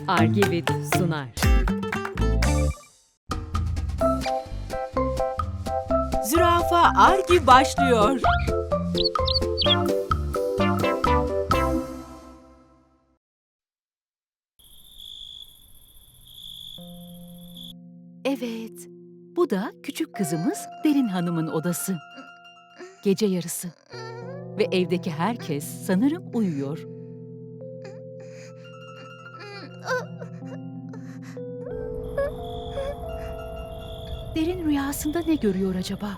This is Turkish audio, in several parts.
Argivit sunar. Zürafa Argi başlıyor. Evet, bu da küçük kızımız Derin Hanım'ın odası. Gece yarısı ve evdeki herkes sanırım uyuyor. Derin rüyasında ne görüyor acaba?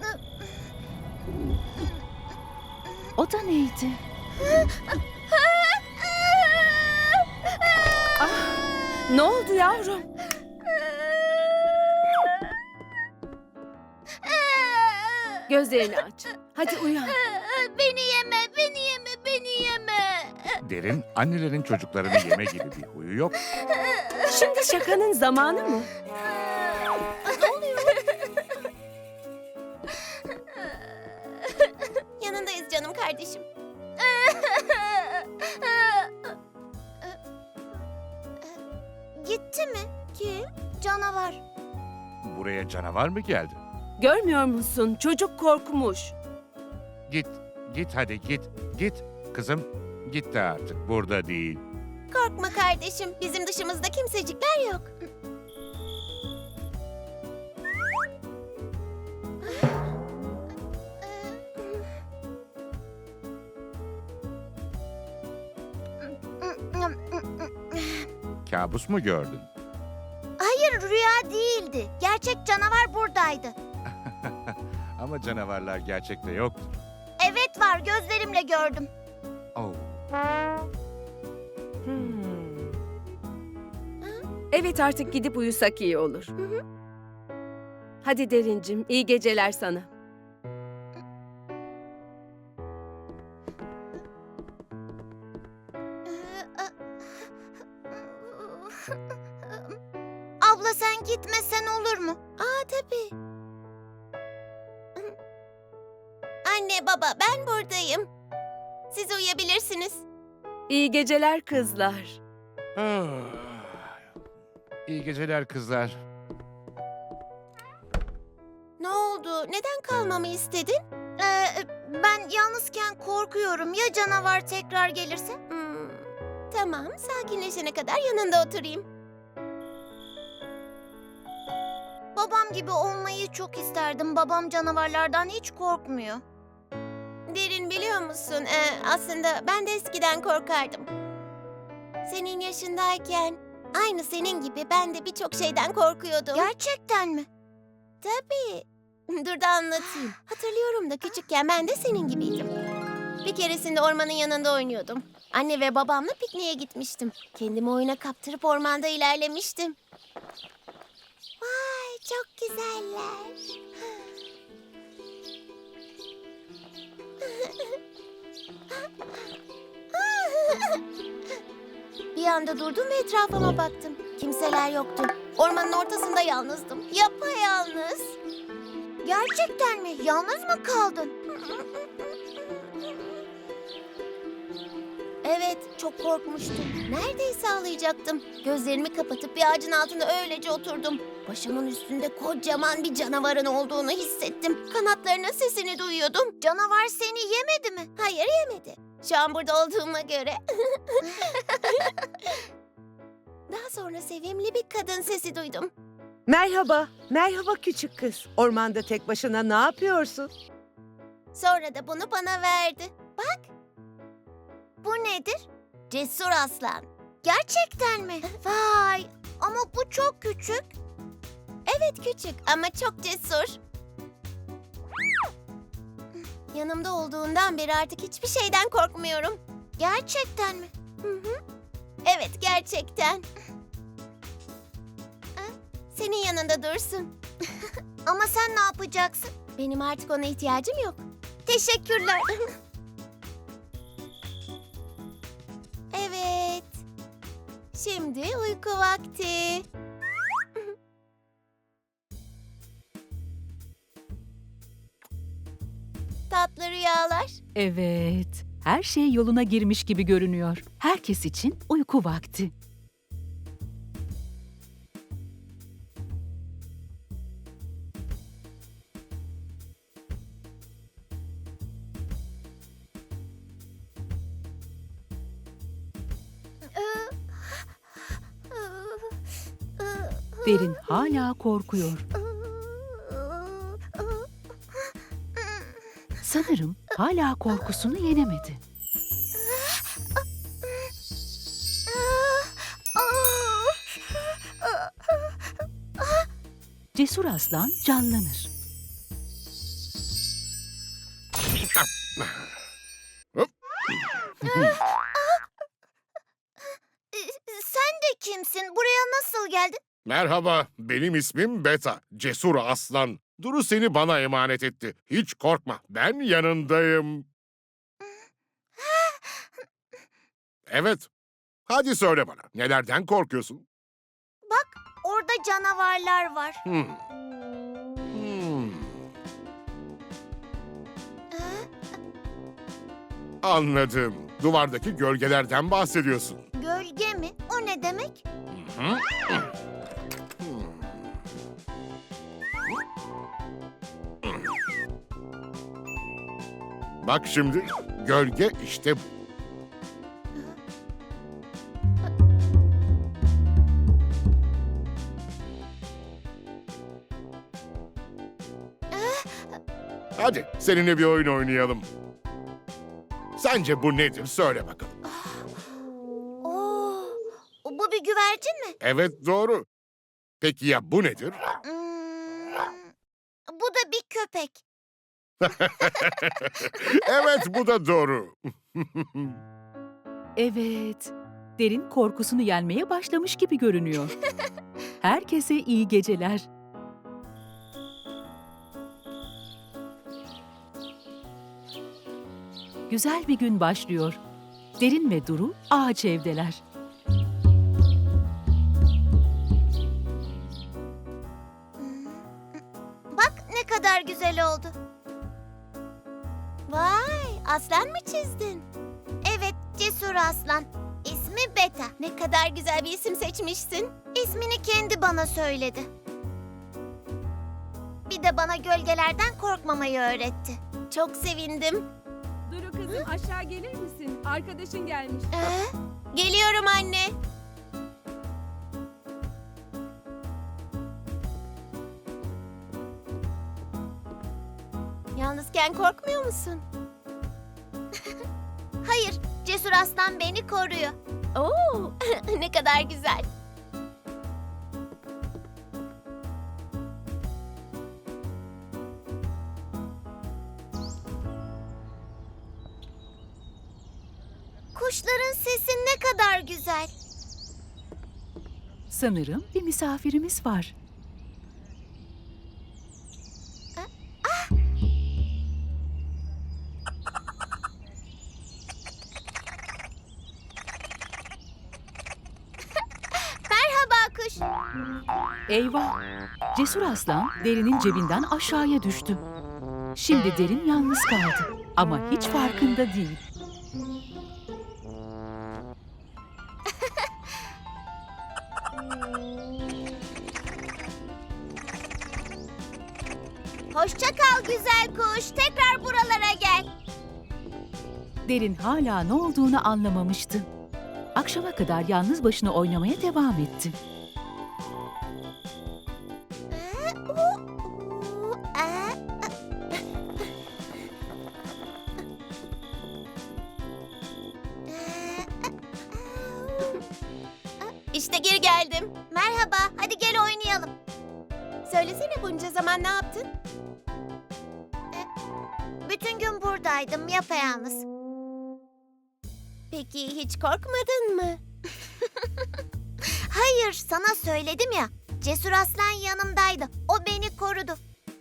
O da neydi? Ne oldu yavrum? Gözlerini aç. Hadi uyan. Beni yeme, beni yeme, beni yeme. Derin, annelerin çocuklarını yeme gibi bir huyu yok. Şimdi şakanın zamanı mı? Yanındayız canım kardeşim. Gitti mi? Kim? Canavar. Buraya canavar mı geldi? Görmüyor musun? Çocuk korkmuş. Git, git hadi git, git. Kızım, git de artık, burada değil. Korkma kardeşim. Bizim dışımızda kimsecikler yok. Kabus mu gördün? Hayır, rüya değildi. Gerçek canavar buradaydı. Ama canavarlar gerçekte yoktur. Evet var, gözlerimle gördüm. Oh. Evet, artık gidip uyusak iyi olur. Hadi Derincim, iyi geceler sana. Abla sen gitmesen olur mu? Aa tabii. Anne baba ben buradayım. Siz uyuyabilirsiniz. İyi geceler kızlar. Ah. İyi geceler kızlar. Ne oldu? Neden kalmamı istedin? Ben yalnızken korkuyorum. Ya canavar tekrar gelirse? Tamam, sakinleşene kadar yanında oturayım. Babam gibi olmayı çok isterdim. Babam canavarlardan hiç korkmuyor. Derin biliyor musun? Aslında ben de eskiden korkardım. Senin yaşındayken aynı senin gibi ben de birçok şeyden korkuyordum. Gerçekten mi? Tabii. Dur da anlatayım. Hatırlıyorum da küçükken ben de senin gibiydim. Bir keresinde ormanın yanında oynuyordum. Anne ve babamla pikniğe gitmiştim. Kendimi oyuna kaptırıp ormanda ilerlemiştim. Vay çok güzeller. Bir anda durdum ve etrafıma baktım. Kimseler yoktu. Ormanın ortasında yalnızdım. Yapayalnız. Gerçekten mi? Yalnız mı kaldın? Evet, çok korkmuştum. Neredeyse ağlayacaktım. Gözlerimi kapatıp bir ağacın altında öylece oturdum. Başımın üstünde kocaman bir canavarın olduğunu hissettim. Kanatlarının sesini duyuyordum. Canavar seni yemedi mi? Hayır, yemedi. Şu an burada olduğuma göre. Daha sonra sevimli bir kadın sesi duydum. Merhaba, merhaba küçük kız. Ormanda tek başına ne yapıyorsun? Sonra da bunu bana verdi. Bak. Bu nedir? Cesur aslan. Gerçekten mi? Vay, ama bu çok küçük. Evet küçük ama çok cesur. Yanımda olduğundan beri artık hiçbir şeyden korkmuyorum. Gerçekten mi? Evet, gerçekten. Senin yanında dursun. Ama sen ne yapacaksın? Benim artık ona ihtiyacım yok. Teşekkürler. Evet. Şimdi uyku vakti. Tatlı rüyalar. Evet, her şey yoluna girmiş gibi görünüyor. Herkes için uyku vakti. Derin hala korkuyor. Sanırım hala korkusunu yenemedi. Cesur aslan canlanır. Sen de kimsin? Buraya nasıl geldin? Merhaba, benim ismim Beta, cesur aslan. Duru seni bana emanet etti. Hiç korkma, ben yanındayım. Evet, hadi söyle bana, nelerden korkuyorsun? Orada canavarlar var. Hmm. Anladım. Duvardaki gölgelerden bahsediyorsun. Gölge mi? O ne demek? Bak şimdi, gölge işte bu. Hadi seninle bir oyun oynayalım. Sence bu nedir? Söyle bakalım. Oo, bu bir güvercin mi? Evet, doğru. Peki ya bu nedir? Bu da bir köpek. Evet, bu da doğru. Evet, Derin korkusunu yenmeye başlamış gibi görünüyor. Herkese iyi geceler. Güzel bir gün başlıyor. Derin ve Duru ağaç evdeler. Bak ne kadar güzel oldu. Vay, aslan mı çizdin? Evet, cesur aslan. İsmi Beta. Ne kadar güzel bir isim seçmişsin. İsmini kendi bana söyledi. Bir de bana gölgelerden korkmamayı öğretti. Çok sevindim. Duru kızım aşağı gelir misin? Arkadaşın gelmiş. Geliyorum anne. Yalnızken korkmuyor musun? Hayır, cesur aslan beni koruyor. Oo, ne kadar güzel. Kuşların sesi ne kadar güzel. Sanırım bir misafirimiz var. Merhaba kuş. Eyvah! Cesur aslan Derin'in cebinden aşağıya düştü. Şimdi Derin yalnız kaldı ama hiç farkında değil. Hoşça kal güzel kuş. Tekrar buralara gel. Derin hala ne olduğunu anlamamıştı. Akşama kadar yalnız başına oynamaya devam etti. İşte geri geldim. Merhaba, hadi gel oynayalım. Söylesene bunca zaman ne yaptın? Bütün gün buradaydım, yapayalnız. Peki hiç korkmadın mı? Hayır, sana söyledim ya. Cesur aslan yanımdaydı. O beni korudu.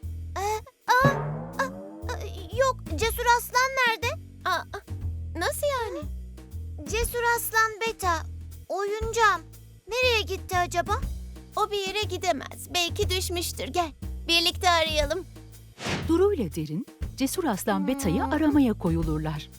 Yok, cesur aslan nerede? Nasıl yani? Cesur aslan Beta, oyuncağım. Nereye gitti acaba? O bir yere gidemez. Belki düşmüştür. Gel, birlikte arayalım. Duru ile Derin, Cesur aslan Beta'yı aramaya koyulurlar.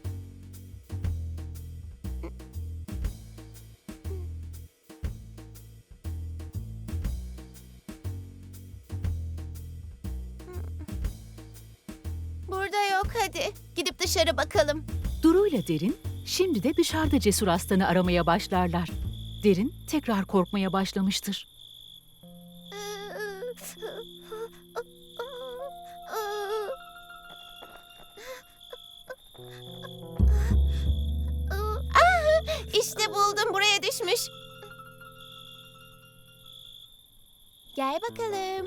Burada yok, hadi. Gidip dışarı bakalım. Duru ile Derin, şimdi de dışarıda Cesur aslanı aramaya başlarlar. Derin tekrar korkmaya başlamıştır. İşte buldum, buraya düşmüş. Gel bakalım.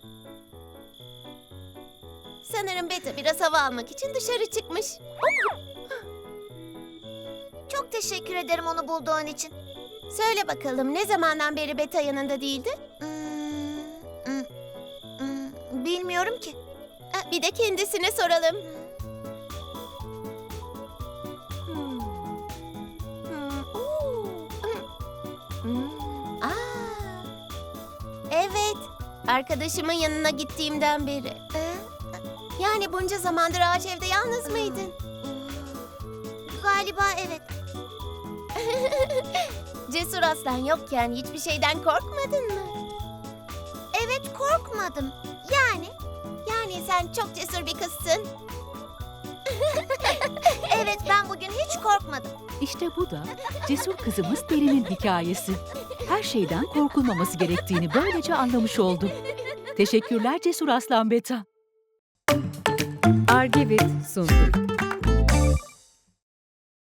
Sanırım Beta biraz hava almak için dışarı çıkmış. Çok teşekkür ederim onu bulduğun için. Söyle bakalım, ne zamandan beri Beta yanında değildi? Bilmiyorum ki. Bir de kendisine soralım. Evet, arkadaşımın yanına gittiğimden beri. Yani bunca zamandır ağaç evde yalnız mıydın? Galiba evet. Cesur Aslan yokken hiçbir şeyden korkmadın mı? Evet, korkmadım. Yani sen çok cesur bir kızsın. Evet, ben bugün hiç korkmadım. İşte bu da cesur kızımız Derin'in hikayesi. Her şeyden korkulmaması gerektiğini böylece anlamış oldu. Teşekkürler Cesur Aslan Beta. Argivit sundu.